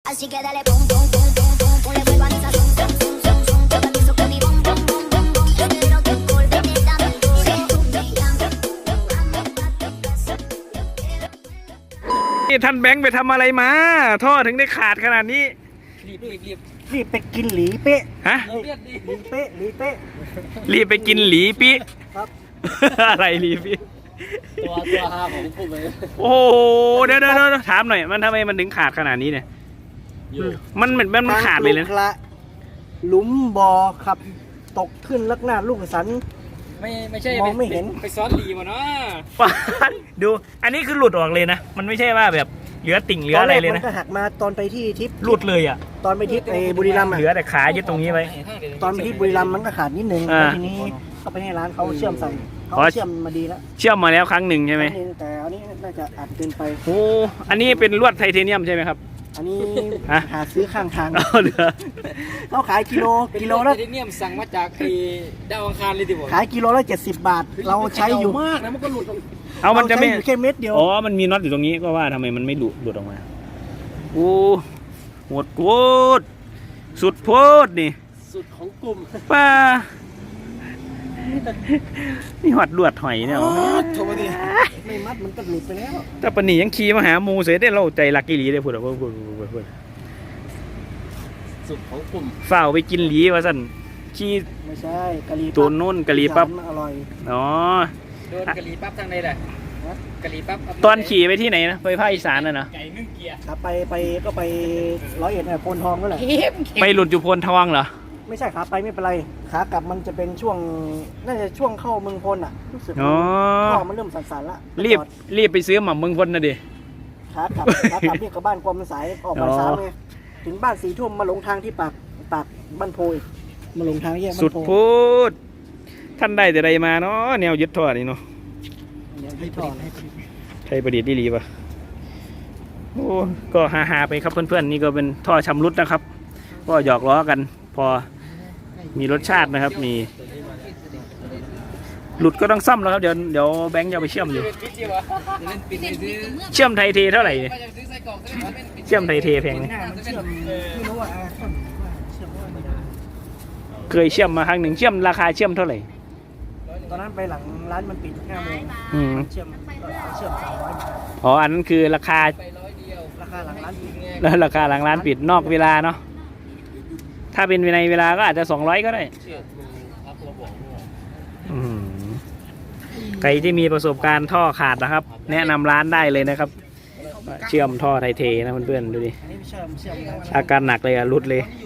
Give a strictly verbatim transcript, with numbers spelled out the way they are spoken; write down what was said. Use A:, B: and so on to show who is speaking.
A: Así que dale pum pum pum pum pum pum le vuelvo a mi sazón son son son son yo te pienso con mi bom bom bom bom bom yo quiero que volverte dame duro tú me llamas
B: นี่ท่านแบงค์ไปทำอะไรมาท่อถึงได้ขาดขนาดนี้
C: รีบรีบรีบ
D: รีบไปกินหลีเป๊ะ
B: ฮะ
C: เลือดดิ
D: หลีเป๊ะหลีเป๊ะ
B: รีบไปกินหลีปิ
D: ครับ
B: อะไรหลีปิ
C: ตัวตัวห้าของผมเลย
B: โอ้โหเดี๋ยวเดี๋ยวเดี๋ยวถามหน่อยมันทำไมมันถึงขาดขนาดนี้เนี่ย
C: อยู่
B: มันเหมือนมันขาดเลยนะ
D: ทางลูกละหลุมบ่อครับ ตกขึ้นลักหน้าลูกสัน
C: ไม่ไม่ใช่
D: มองไม่เห็น
C: ไปซ้อนหลีมาเนาะ
B: ดู อันนี้คือหลุดออกเลยนะ มันไม่ใช่ว่าแบบเหลือติ่งเหลืออะไรเลย
D: มั
B: นะ
D: นก็หักมาตอนไปที่ทิพย์
B: หลุดเลยอ่ะ
D: ตอนไปทิพย์ไอ้บุรีรัมย์
B: เหลือ
D: อะ
B: แต่ขายึดตรงนี้ไว้
D: ตอนไปที่บุรีรัมย์มันก็ขาดนิดนึง
B: อ่า
D: แล้วทีนี้ก็ไปให้ร้านเขาเชื่อมใส่เขา
B: อ๋อ
D: เชื่อมมาดีแล้ว
B: เชื่อมมาแล้วครั้งหนึ่งใช่ไหม
D: แต่อันนี้น่าจะอัดเกินไป
B: โอ้อันนี้เป็นลวดไทเทเนียมใช่ไหมครับ
D: อันนี้
B: ฮะ
D: หาซื้อข้างทาง
B: เอาเหลือ
D: เขาขายกิโล
C: กิ
D: กิ
C: โล
D: โล
C: แล้
D: ละ
C: วเนี่ยมสั่งมาจากไอ้ดาวอังคารเลยดิผม
D: ขายกิโลละเจ็ดสิบบาท เราใช้อยู่
C: มากนะมันก็หลุด
B: เอามันจะไม่
D: รใช้อยู่แค่เม็ดเดียว
B: อ๋อ มันมีน็อตอยู่ตรงนี้ก็ว่าทำไมมันไม่หลุดหลุดออกมา โอ้โหดโคตรสุดโพดนี่
C: สุดของกลุ่ม
B: ป้านี่หอดลวดหอยเนี่ย
C: โทรมาดิ
D: ไม่มัดมันก็หลุดไปแล้ว
B: แต่ปนียังขี่มาหาหมูเสียได้เราใจลักกี้หลีได้พูดอ่ะพูดพูดพูดพูด
C: สุดของกลุ่ม
B: ฝ้าวไปกินหลีว่าสั่นขี่
D: ไม่ใช่กะหรี่
B: ตัวนุ่นกะหรี่ปั๊บ
D: มันอร่อย
B: อ๋อ
C: โดนกะหรี่ปั๊บทางไหนแหละกะหรี่ปั๊บ
B: ตอนขี่ไปที่ไหนนะไปภาคอีสานน่ะนะ
C: ไก่นึ่งเกียร์
D: ครับไปไปก็ไปร้อยเอ็ดเนี่ยโพนทองก็แหละ
B: ไปหลุดอยู่โพนทองเหรอ
D: ไม่ใช่ขาไปไม่เป็นไรขากลับมันจะเป็นช่วงน่าจะช่วงเข้าเมืองพลอ่ะรู้สึก
B: อ๋อ
D: พ่อมันเริ่มสั่นๆละ
B: รีบรีบไปซื้อหม่ำเมืองพลนะดิ
D: ขากลับขากลับนี่กับบ้านความมันสายออกบ่ายสามไงถึงบ้านสี่ทุ่มมาลงทางที่ปากปากบ้านโพยมาลงทางแยกบ้านโพ
B: สุดพูดท่านได้แต่ใดมาเนาะแนวยึดท่อนี่เนาะ
D: เดี๋ยวพี่ถอนให้
B: ไทยประดิษฐ์ดีๆปะโอ้ก็ฮาๆไปครับเพื่อนๆนี่ก็เป็นท่อชำรุดนะครับ ก็หยอกล้อกัน พอมีรสชาตินะครับ มีหลุดก็ต้องซ่อมแล้วครับเดี๋ยวเดี๋ยวแบงค์จะเอาไปเชื่อมอยู่
C: เป็นปิดดีวะเล่นปิดเลยซื้อ
B: เชื่อมไทยเทเท่าไหร่
C: ไปจะซื้อใส่กล่องก็ได้เป็นปิด
B: เชื่อมไทยเทแพงไหม
D: หน้ามันเชื่อมไม่รู้ว่าอ่าเชื่อมว่าเชื่อมว่าไม่ได้
B: เคยเชื่อมมาครั้งหนึ่งเชื่อมราคาเชื่อมเท่าไหร่
D: ตอนนั้นไปหลังร้านมันปิดห้าโมง
B: อืม
D: เชื่อมเชื่อมสามร้อยบาท
B: อ๋ออันนั้นคือราคา
C: ไปร้อยเดียว
D: ราคาหลังร้านปิด
B: แล้วราคาหลังร้านปิดนอกเวลาเนาะถ้าเป็นในเวลาก็อาจจะสองร้อยก็ได้
C: เชื่อครับเราบอกด้วย
B: อืมใครที่มีประสบการณ์ท่อขาดนะครับ แนะนำร้านได้เลยนะครับ เชื่อมท่อไทยเทนะเพื่อนๆดูดิ
D: อันนี้เชื่อมเชื่อมได้
B: อาการหนักเลยอะรุดเลย
D: เ